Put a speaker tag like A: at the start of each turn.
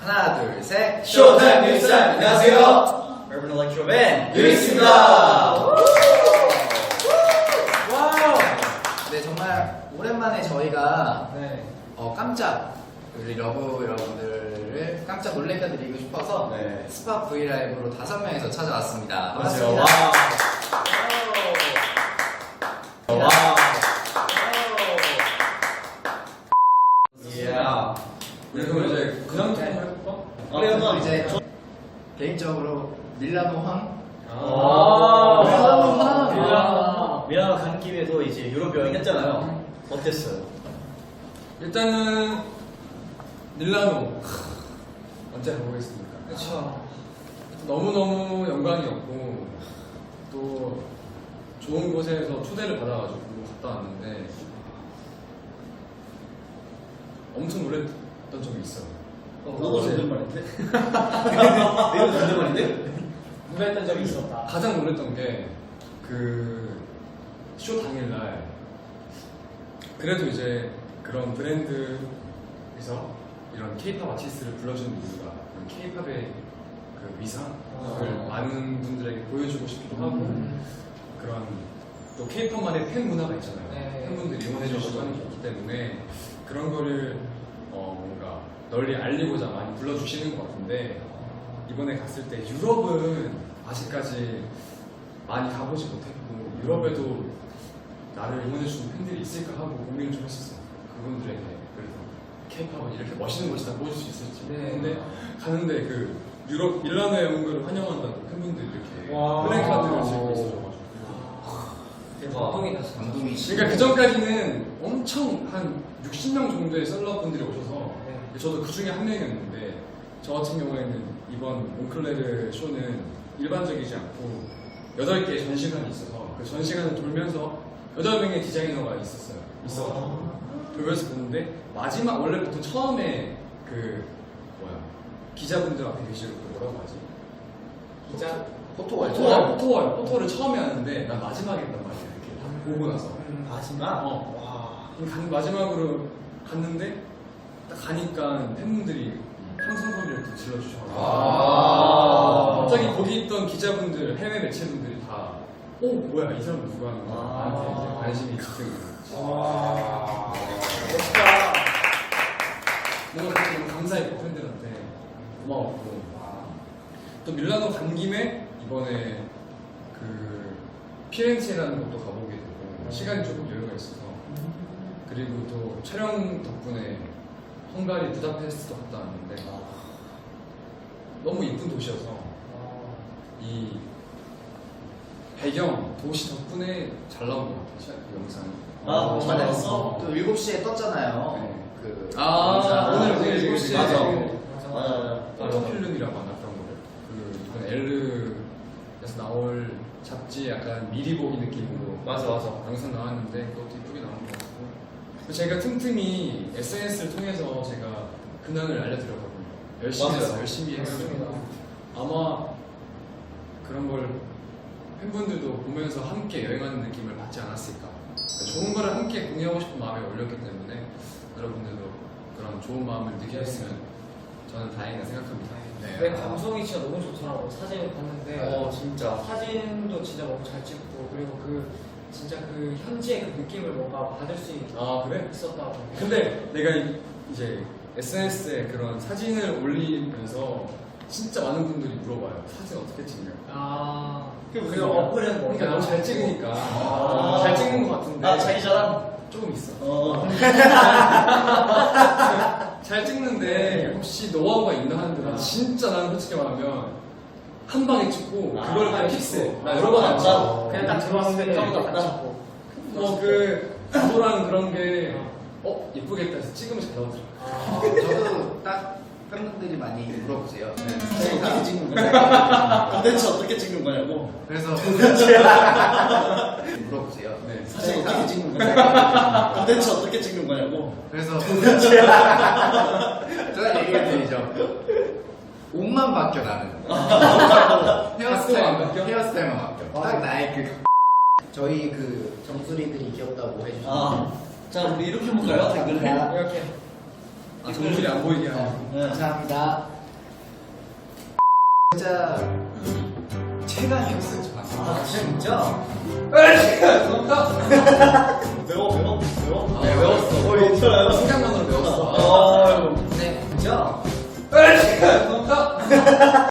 A: 하나, 둘, 셋.
B: 쇼타임 뉴스! 안녕하세요.
A: 여러분 일렉트로밴
B: 뉴스입니다.
A: 와우. 네, 정말 오랜만에 저희가 깜짝 우리 러브 여러분들을 깜짝 놀래켜 드리고 싶어서 스팟 브이라이브로 5명이서 찾아왔습니다. 반갑습니다.
B: 와.
A: 이야.
B: 우리 그럼 이제 그냥 좀 해볼까?
A: 그럼 이제 개인적으로 밀라노 황.
C: 밀라노 간 김에도 이제 유럽 여행 했잖아요. 어땠어요?
B: 일단은 밀라노 언제 가보겠습니까?
A: 그렇죠.
B: 너무너무 영광이었고 또 좋은 곳에서 초대를 받아가지고 갔다 왔는데 엄청 놀랬던 적이 있어요.
C: 너도 존댓말인데? 내가 존댓말인데?
D: 누가 했던 적이 있었다.
B: 가장 놀랬던 게 그 쇼 당일날 그래도 이제 그런 브랜드에서 이런 케이팝 아티스트를 불러주는 이유가 케이팝의 그 위상을 많은 분들에게 보여주고 싶기도 하고 그런 또 케이팝만의 팬 문화가 있잖아요.
D: 네.
B: 팬분들이 응원해주시고 하는 게 있기 때문에 그런 거를 뭔가 널리 알리고자 많이 불러주시는 것 같은데 이번에 갔을 때 유럽은 아직까지 많이 가보지 못했고 유럽에도 나를 응원해주는 팬들이 있을까 하고 고민을 좀 했었어요. 그분들에게 그래서 케이팝은 이렇게 멋있는 곳이다 보여줄 수 있을지. 근데 가는데 그 유럽 밀라노에 온 걸 환영한다고 팬분들이 이렇게 플래카드를 들고 있어줘가지고
A: 감동이지.
B: 그러니까 그 전까지는 엄청 한 60명 정도의 셀럽분들이 오셔서 저도 그 중에 한 명이었는데 저 같은 경우에는 이번 몽클레르 쇼는 일반적이지 않고 8개의 전시관이 있어서 그 전시관을 돌면서 8명의 디자이너가 있어가지고 돌면서 보는데 마지막 원래 보통 처음에 그 기자분들 앞에 계시고 뭐라고 하지?
D: 기자?
B: 포토를 처음에 하는데 난 마지막에 했단 말이야 이렇게 다 보고 나서
C: 마지막?
B: 마지막으로 갔는데 딱 가니까 팬분들이 함성 소리를 또 질러주셔가지고 갑자기 거기 있던 기자분들, 해외 매체분들이 다 뭐야 이 사람 누가 하는 거야? 나한테 이제 관심이 있는
D: 멋있다.
B: 뭔가 그렇게 너무 감사했고 팬들한테 고마웠고 또 밀라노 간 김에 이번에 그 피렌체라는 곳도 가보게 되고 시간이 조금 여유가 있어서 그리고 또 촬영 덕분에 헝가리 부다페스트도 갔다 왔는데 너무 이쁜 도시여서 이 배경 도시 덕분에 잘 나온 것 같아요 그 영상이.
C: 맞았어?
A: 또 7시에 떴잖아요.
B: 네.
A: 그
B: 오늘
A: 영상이.
B: 7시에
C: 맞아.
B: 포토필름이라고 하나 그런 거를 이번 엘르에서 나올 잡지 약간 미리 보기 느낌으로
C: 맞아.
B: 영상 나왔는데 그것도 이쁘게 나온 것 같고 제가 틈틈이 SNS를 통해서 제가 근황을 알려드렸거든요. 열심히
C: 맞아요.
B: 했어요. 열심히 해가지고 아마 그런 걸 팬분들도 보면서 함께 여행하는 느낌을 받지 않았을까. 좋은 거를 함께 공유하고 싶은 마음에 올렸기 때문에 여러분들도 그런 좋은 마음을 느끼셨으면 저는 다행이다 생각합니다.
D: 내 감성이 진짜 너무 좋더라고. 사진을 봤는데
C: 진짜.
D: 사진도 진짜 너무 잘 찍고 그리고 그 진짜 그 현지의 그 느낌을 뭔가 받을 수
B: 그래?
D: 있었다고.
B: 근데 내가 이제 SNS에 그런 사진을 올리면서 진짜 많은 분들이 물어봐요. 사진 어떻게 찍냐?
D: 그리고 어플은 뭐?
B: 그러니까 너무 잘 찍으니까 잘 찍는 것 같은데
C: 자기 자랑?
B: 조금 있어. 잘 찍는데 혹시 노하우가 있나 하는데 진짜 나는 솔직히 말하면 한 방에 찍고 그걸 그냥 픽스해. 나 여러 번 안 찍어.
D: 그냥 딱 들어왔을 때
C: 딱
D: 딱 찍고.
B: 그 구도랑 그런 게 예쁘겠다 해서 찍으면 잘 나오더라고.
A: 저도 딱 팬분들이 많이 물어보세요.
C: 어떻게 찍는 거냐? 컨텐츠 어떻게 찍는 거냐고?
A: 그래서 물어보세요.
C: 사실 어떻게 찍는 거냐? 컨텐츠 어떻게 찍는 거냐고?
A: 그래서 제가 얘기해 드리죠. 옷만 바뀌어 나는. 헤어스타일만 바뀌어. 딱 나의 그 저희 그 정수리들이 귀엽다고 해주시는.
C: 자 우리 이렇게 해볼까요? 댓글을?
D: 이렇게.
B: 정수리 안 보이게 하고.
A: 감사합니다. 진짜 최강이었어요.
C: 아 진짜?
D: 매워.
C: 네 외웠어. 괜찮아요?
A: 생각만으로 배웠어.
C: 아이고
A: 네.
C: 진짜?